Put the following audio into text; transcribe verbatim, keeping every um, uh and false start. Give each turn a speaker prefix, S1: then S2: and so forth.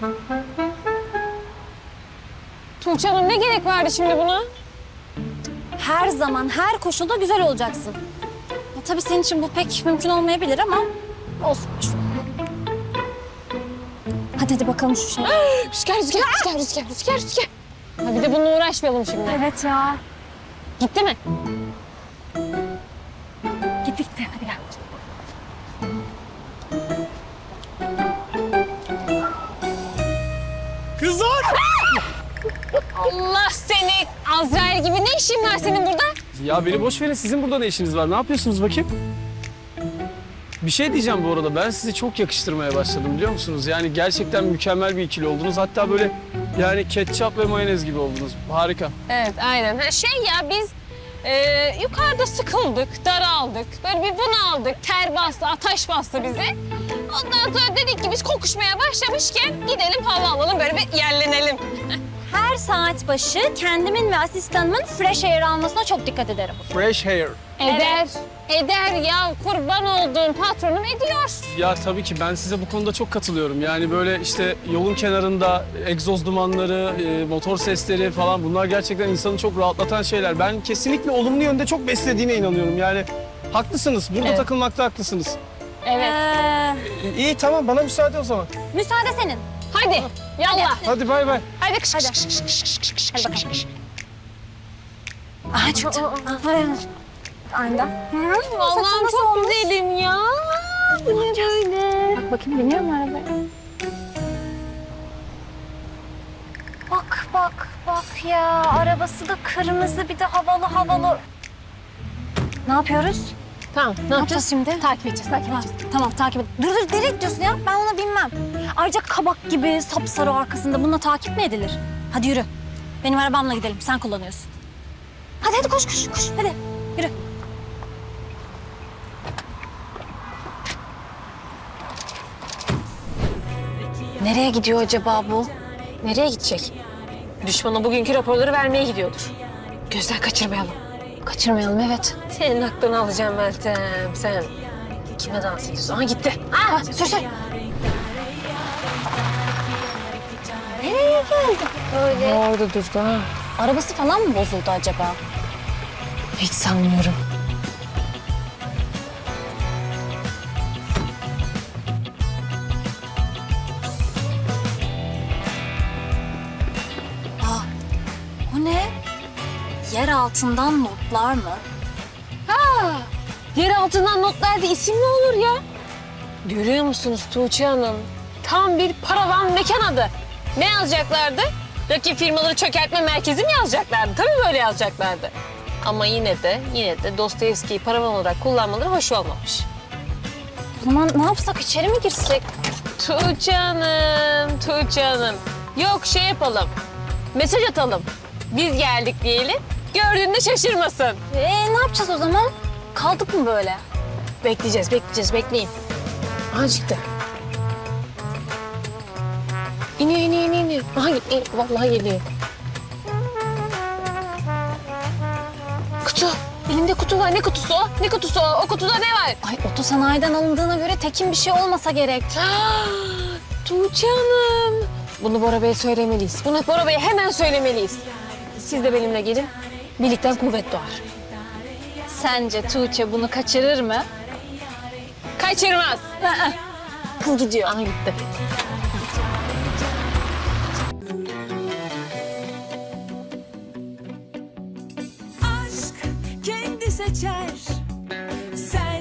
S1: Tuğçe Hanım ne gerek vardı şimdi buna?
S2: Her zaman, her koşulda güzel olacaksın. Ya, tabii senin için bu pek mümkün olmayabilir ama olsun. Hadi hadi bakalım şu şey.
S1: Rüzgar, rüzgar, rüzgar, rüzgar, rüzgar, rüzgar. Ha bir de bununla uğraşmayalım şimdi.
S2: Evet ya.
S1: Gitti mi?
S2: Git gitti. Hadi gel.
S3: Kızlar!
S1: Allah seni! Azrail gibi ne işin var senin burada?
S3: Ya beni boş verin. Sizin burada ne işiniz var? Ne yapıyorsunuz bakayım? Bir şey diyeceğim bu arada. Ben sizi çok yakıştırmaya başladım biliyor musunuz? Yani gerçekten mükemmel bir ikili oldunuz. Hatta böyle yani ketçap ve mayonez gibi oldunuz. Harika.
S1: Evet, aynen. Ha, şey ya biz e, yukarıda sıkıldık, daraldık. Böyle bir bunaldık, ter bastı, ateş bastı bizi. Ondan sonra dedik ki biz kokuşmaya başlamışken gidelim hava alalım, böyle bir yerlenelim.
S2: Her saat başı kendimin ve asistanımın fresh air almasına çok dikkat ederim.
S3: Fresh hair.
S1: Eder, eder ya. Kurban olduğum patronum ediyor.
S3: Ya tabii ki ben size bu konuda çok katılıyorum. Yani böyle işte yolun kenarında egzoz dumanları, e, motor sesleri falan bunlar gerçekten insanı çok rahatlatan şeyler. Ben kesinlikle olumlu yönde çok beslediğine inanıyorum. Yani haklısınız. Burada
S1: Evet.
S3: takılmakta haklısınız.
S1: Evet.
S2: Ee,
S3: E, iyi tamam bana müsaade o zaman.
S2: müsaade senin.
S1: Hadi, yallah.
S3: Hadi bay bay.
S1: Hadi. Kış,
S2: Hadi.
S1: kış, kış, kış, kış, kış, kış,
S2: Hadi
S1: kış,
S2: bakalım.
S1: kış.
S2: Aha çıktı. Aynen.
S1: Allah'ım çok güzelim ya. Bu ne böyle?
S2: Bak bakayım biniyor mu arabaya? Bak bak bak ya. Arabası da kırmızı bir de havalı havalı. Ne yapıyoruz?
S1: Tamam, ne,
S2: Ne yapacağız şimdi?
S1: Takip edeceğiz, takip
S2: Ha,
S1: edeceğiz.
S2: tamam takip et. Dur dur nereye gidiyorsun ya? Ben ona binmem. Ayrıca kabak gibi sapsarı arkasında bununla takip mi edilir? Hadi yürü. Benim arabamla gidelim. Sen kullanıyorsun. Hadi hadi koş koş koş. Hadi yürü. Nereye gidiyor acaba bu?
S1: Nereye gidecek? Düşmana bugünkü raporları vermeye gidiyordur. Gözden kaçırmayalım.
S2: Kaçırmayalım evet.
S1: Senin aklını alacağım Meltem. Sen kime dans ediyorsun? Aha gitti.
S2: Ha, sür sür. Nereye geldi böyle?
S1: Orada durdu ha.
S2: Arabası falan mı bozuldu acaba?
S1: Hiç sanmıyorum.
S2: Aa, o ne? Yer altından notlar mı?
S1: Yer altından notlarda isim mi olur ya? Görüyor musunuz Tuğçe Hanım? Tam bir paravan mekan adı. Ne yazacaklardı? Rakip firmaları çökertme merkezi mi yazacaklardı? Tabii böyle yazacaklardı. Ama yine de yine de Dostoyevski'yi paravan olarak kullanmaları hoş olmamış.
S2: O zaman ne yapsak içeri mi girsek?
S1: Tuğçe Hanım, Tuğçe Hanım. Yok şey yapalım, mesaj atalım. Biz geldik diyelim, gördüğünde şaşırmasın.
S2: Ee, ne yapacağız o zaman? Kaldık mı böyle?
S1: Bekleyeceğiz, bekleyeceğiz, bekleyin. Aha çıktı. İniyor, iniyor, iniyor, iniyor. Aha gitti, vallahi geliyor. Kutu, elimde kutu var. Ne kutusu o? Ne kutusu o? O kutuda ne var?
S2: Ay otosanayiden alındığına göre tekin bir şey olmasa gerek.
S1: Ah, Tuğçe Hanım. Bunu Bora Bey'e söylemeliyiz. Bunu Bora Bey'e hemen söylemeliyiz. Siz de benimle gelin. Birlikten kuvvet doğar.
S2: Sence Tuğçe bunu kaçırır mı?
S1: Kaçırmaz.
S2: Kız gidiyor.
S1: Aha gitti.
S4: Aşk kendi seçer. Sen